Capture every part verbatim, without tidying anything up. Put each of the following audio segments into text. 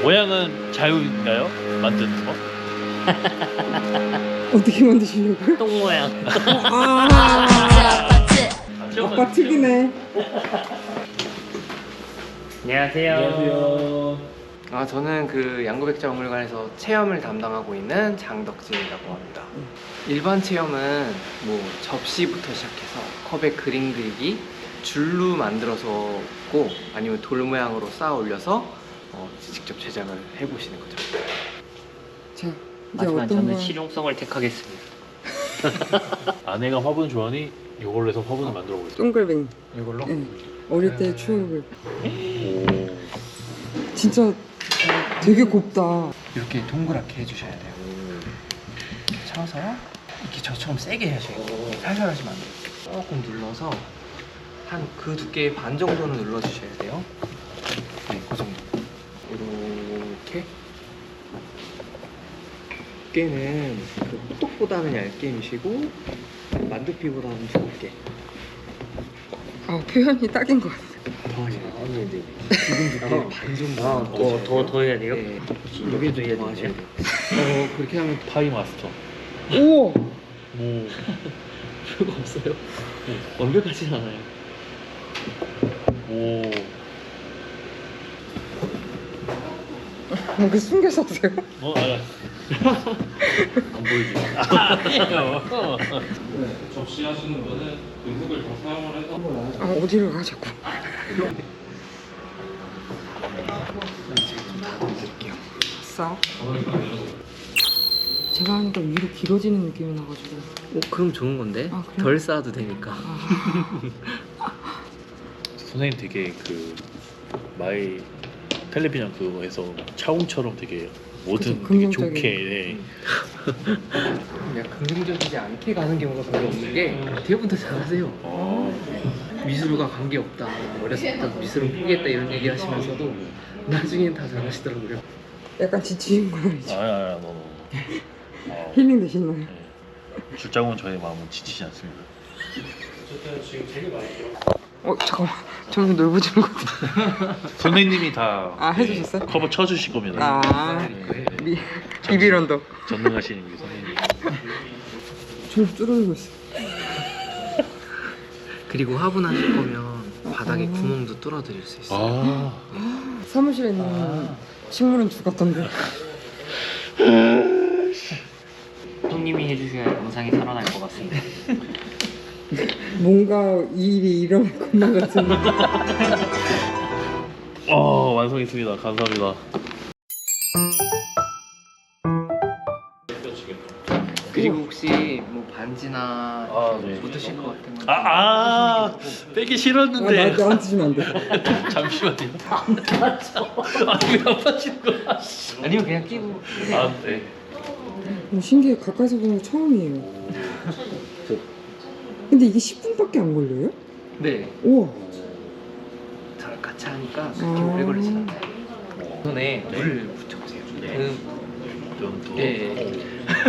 모양은 자유인가요? 만드는 거? 어떻게 만드시려고요? 똥 모양. 아, 아빠 특이네. 안녕하세요. 안녕하세요. 아, 저는 그 양구백자박물관에서 체험을 담당하고 있는 장덕진이라고 합니다. 일반 체험은 뭐 접시부터 시작해서 컵에 그림 그리기, 줄로 만들어서고 아니면 돌 모양으로 쌓아 올려서 어, 직접 제작을 해보시는 거죠. 자, 이제 하지만 어떤 저는 거? 실용성을 택하겠습니다. 아내가 화분 좋아하니 이걸로 해서 화분을 만들어 보겠습니다. 동글뱅이. 이걸로? 네. 어릴 때 추억을. 오. 진짜 되게 곱다. 이렇게 동그랗게 해주셔야 돼요. 이렇게 쳐서 이렇게 저처럼 세게 하셔야 돼요. 살살 하시면 안 돼요. 조금 눌러서 한 그 두께 반 정도는 눌러주셔야 돼요. 네, 그 정도. 이렇게 두께는 그 호떡보다는 얇게 미시고 만두피보다는 두껍게. 아, 표현이 딱인 것 같아. 더 하시면 돼요. 지금 두께 반 정도. 아, 더, 더, 더 해야 돼요? 네. 여기도 해야 더 하셔야 되나요? 돼요. 어, 그렇게 하면 파이 마스터. 오! 오. 별거 없어요. 완벽하진 않아요. 오. 뭔가 숨겨서 하세요? 어, 알았어. 안 보이지? 아니에요. 접시 하시는 거는 그 흙을 다 사용을 해서. 아, 어디로 가, 자꾸. 드릴게요. 싸. 제가 하니까 위로 길어지는 느낌이 나가지고. 어, 그럼 좋은 건데? 아, 그래요? 덜 쌓아도 되니까. 선생님 되게 그 마이 텔레비전 그거에서 차웅처럼 되게 뭐든 그쵸, 되게 긍정적인. 좋게. 네. 그냥 긍정적이지 않게 가는 경우가 별로 없는 게 대부분 다 잘하세요. 어. 미술과 관계없다. 어렸을 때 미술은 포기했다 이런 얘기 하시면서도 나중엔 다 잘하시더라고요. 약간 지치는 건 아니죠? 아야, 아야, 너. 어. 힐링 되시나요? 네. 출장은 저의 마음은 지치지 않습니다. 어, 잠깐만. 점점 넓어지는 것 같아. 선생님이 다 아, 해주셨어요? 커버 쳐주실 겁니다. 아, 네. 미, 비빌 언덕. 전능하신 우리 선생님. 저 뚫어지고 있어. 그리고 화분하실 거면 바닥에 구멍도 뚫어드릴 수 있어요. 아, 사무실에 있는 식물은 죽었던데. 형님이 해주셔야 영상이 살아날 것 같습니다. 뭔가 이 일이 일어날 것만 같은. 어 완성했습니다. 감사합니다. 그리고 혹시 뭐 반지나 아, 네. 묻으실 것 같은 거. 아, 아 빼기 아, 싫었는데. 나, 나한테 주면 안 돼. 잠시만요. 안 맞죠? 아니 왜안 맞히는 거야? 아니면 그냥 끼고. 아, 네. 어, 신기해. 가까이서 보는 거 처음이에요. 근데 이게 십 분밖에 안 걸려요? 네. 우와. 저랑 같이 하니까 그렇게 아. 오래 걸리진 않아요. 손에 물을 묻혀보세요. 네. 음, 좀 더. 예.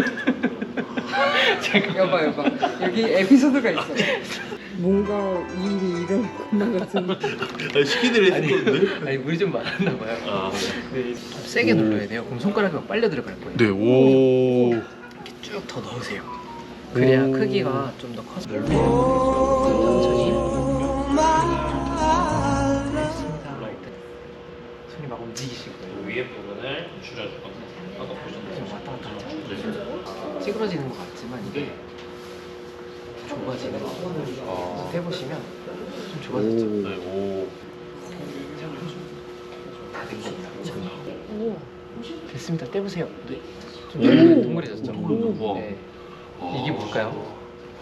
여봐, 여봐. 여기 에피소드가 있어. 뭔가 이 일이 일어날 것만 같은. 아니, 시키들 했을 건데. 아니 물이 좀 많았나 봐요. 아, 네. 좀 세게 눌러야 돼요. 그럼 손가락이 막 빨려 들어갈 거예요. 네. 오. 이렇게 쭉 더 넣으세요. 그래야 오. 크기가 좀 더 커서 천천히. 됐습니다. 손이 막 움직이실 거예요. 위에 부분을 줄여줄 건데 아까 보셨나요? 왔다 갔다 하죠. 찌그러지는 것 같지만 이게 좁아지는 거. 아. 해보시면 좀 좁아졌죠. 네. 오. 다 된 겁니다. 오. 됐습니다. 떼보세요. 네. 좀 오. 동그래졌죠. 우와. 네. 이게 뭘까요?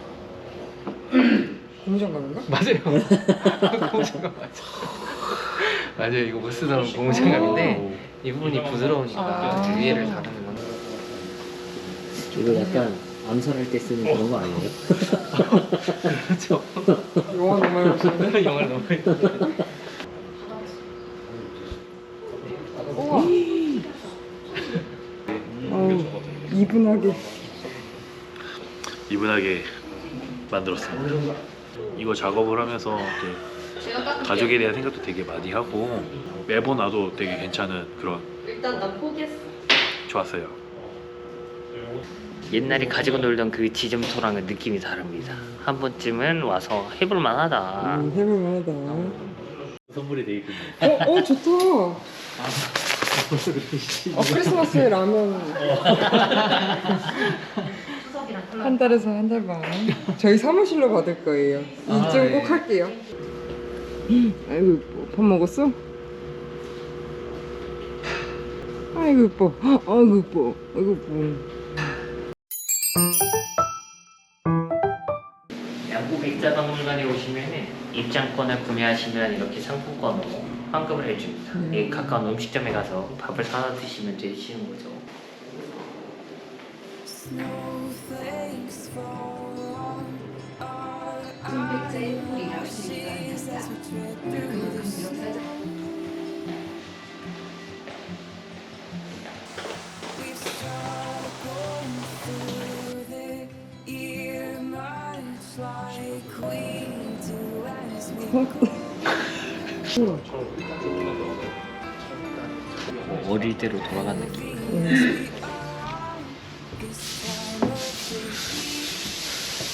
고무장갑인가? 맞아요. 고무장갑 맞아. 맞아요. 이거 못 쓰던 고무장갑인데 이 부분이 부드러우니까 아. 위에를 다루는 건. 이거 약간 암살할 때 쓰는 그런 거 아니에요? 그렇죠. 영화 너무 많이 봤는데. 영화를 너무 많이 봤는데. 우와. 어우, 이분하게. 이분하게 만들었습니다. 이거 작업을 하면서 이제 가족에 대한 생각도 되게 많이 하고 매번 와도 되게 괜찮은 그런 일단 난 포기했어. 좋았어요. 옛날에 가지고 놀던 그 지점토랑은 느낌이 다릅니다. 한 번쯤은 와서 해볼만 하다. 음, 해볼만하다. 선물이 돼 있군요. 어, 어 좋다. 어, 크리스마스에 라면. 한 달에서 한 달 반. 저희 사무실로 받을 거예요. 아, 이쯤 네. 꼭 할게요. 아이고 이뻐. 밥 먹었어? 아이고 이뻐. 아이고 이뻐. 아이고 이뻐. 양국 백자박물관에 오시면은 입장권을 구매하시면 이렇게 상품권으로 환급을 해줍니다. 음. 이 가까운 음식점에 가서 밥을 사다 드시면 되시는 거죠. 백자의 뿌리라고 생각합니다. 그만큼 역사적 어릴 때로 돌아간 느낌. 음.